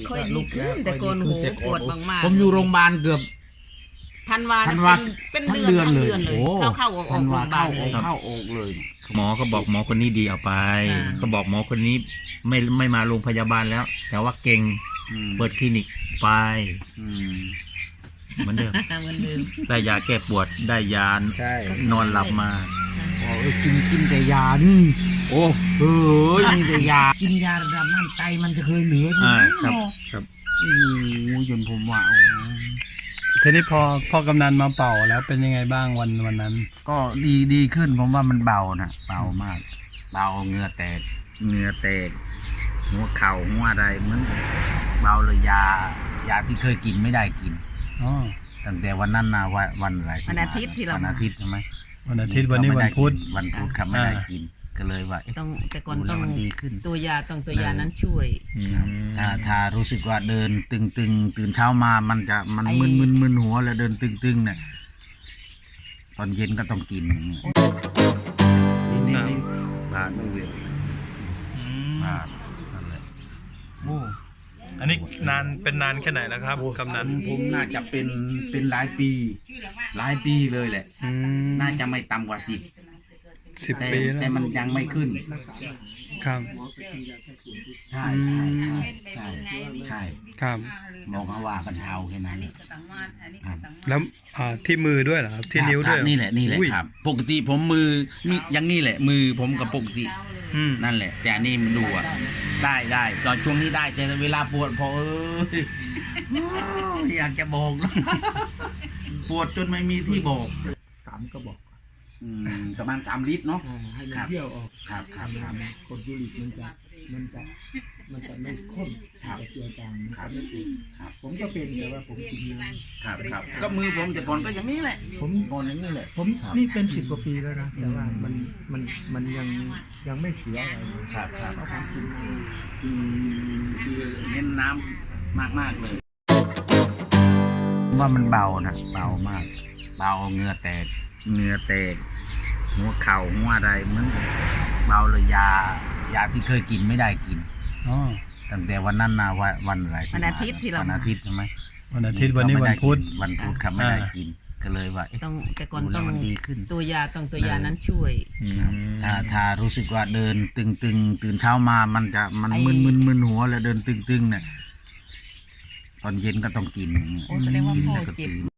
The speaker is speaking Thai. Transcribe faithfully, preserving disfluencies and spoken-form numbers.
ค่อยดีขึ้นแต่ก่อนโหปวดมากๆผมอยู่โรงพยาบาลเกือบธันวาธันวาเป็นทั้งเดือนเดือนทั้งเลยเดือนเลยโอ้เข้าเข้าออกอธัอกนโรวางพยาบาเข้าลอเลอย กเข้าออกเลยหมอก็บอกหมอคนนี้ดีเอาไปอ่าก็บอกหมอคนนี้ไม่ไม่มาโรงพยาบาลแล้ว แต่ว่าเก่งอืมเปิดคลินิกไปอืมเหมือนเดิมเหมือนเดิมได้ยาแก้ปวดได้ยาใช่นอนหลับมาโอ้ยกินกินแต่ยานี่โอ้เฮ้ยมีแต่ยากินยาระดับนั้นไตมันจะเคยเหลืออยู่อ่าเนาะครับครับโอ้โหจนผมว่าโอ้ทีนี้พอพ่อกำนันมาเป่าแล้วเป็นยังไงบ้างวันวันนั้นก็ดีดีขึ้นผมว่ามันเบานะเบามาก เบาเหงื่อแตกเหงื่อแตกหัวเข่าหัวอะไรเหมือนเบาเลยยายาที่เคยกินไม่ได้กินอ๋อตั้งแต่วันนั้นนะวันวันอะไรวันอาทิตย์ที่เราวันอาทิตย์ใช่ไหมวันอาทิตย์วันนี้วันพุธวันพุธครับไม่ได้กินก็เลยว่าเอ๊ะต้องแต่ก่อนดูต้แล้อวงมันดีขึ้นตัวยาต้องตัวยานั้นช่วยอืมถ้าถ้ารู้สึกว่าเดินตึงตึงตื่นเช้ามามันจะมันไอ้มึนมึนมึนหัวแล้วเดินตึงตึงเนี่ยตอนเย็นก็ต้องกินอย่างเงี้ยนี่นี่นี่บาดมือเวียนบาดนั่นแหละโอ้อันนี้นานเป็นนานแค่ไหนแล้วครับกำนันผมผมน่าจะเป็นเป็นหลายปี หลายปีเลยแหละอืมน่าจะไม่ต่ำกว่าสิบสิบแต่ปีแล้วแต่มันยังไม่ขึ้นครับใช่ใช่ใช่ใช่ใช่ครับบอกมาว่ากันเทาแค่นั้นครับแล้วอ่าที่มือด้วยเหรอครับที่นิ้วด้วยครับนี่แหละนี่แหละอุ้ยครับ ปกติผมมือมีอย่างนี้แหละ มือผมกับปกติอืมนั่นแหละ แต่อันนี้มันดูอ่ะได้ได้ตอนช่วงนี้ได้แต่เวลาปวดพอเอ้ยอยากจะบอกนะปวดจนไม่มีที่บอกสามกระบอกอืมประมาณสามลิตรเนาะอ่าให้มันครับเที่ยวออกครับครับครับกรดยูริกมันจะมันจะมันจะไม่ข้นครับจะเจือจางมันครับจะไม่ติดครับผมก็เป็นแต่ว่าผมกินน้ครับครับก็มือผมแต่ก่อนก็อย่างนี้แหละำผมก่อนอย่างนี้แหละผมครับนี่เป็นสิบกว่าปีแล้วนะแต่ว่ามันมันมันยังยังไม่เสียอะไรเลยครับครับเพราะผมกินอืมคือเน้นน้ำมากมากๆเลย ว่ามันเบานะเบามาก เบาเหงื่อแตกเหงื่อแตกหัวเข่าหัวอะไรเหมือนเบาเลยยายาที่เคยกินไม่ได้กินอ๋อตั้งแต่วันนั้นนะวันวันอะไรวันอาทิตย์ที่เราวันอาทิตย์ใช่ไหมวันอาทิตย์วันนี้วันพุธวันพุธครับไม่ได้กินก็เลยว่าเอ๊ะต้องแต่ก่อนดูแล้ต้อวงมันดีขึ้นตัวยาต้องตัวยานั้นช่วยอืมถ้าถ้ารู้สึกว่าเดินตึงตึงตื่นเช้ามามันจะมันไอ้มึนมึนมึนหัวแล้วเดินตึงตึงเนี่ยตอนเย็นก็ต้องกินอย่างเงี้ยโอ้แสดงว่ากินพ่อแล้วก็เจ็บตื่น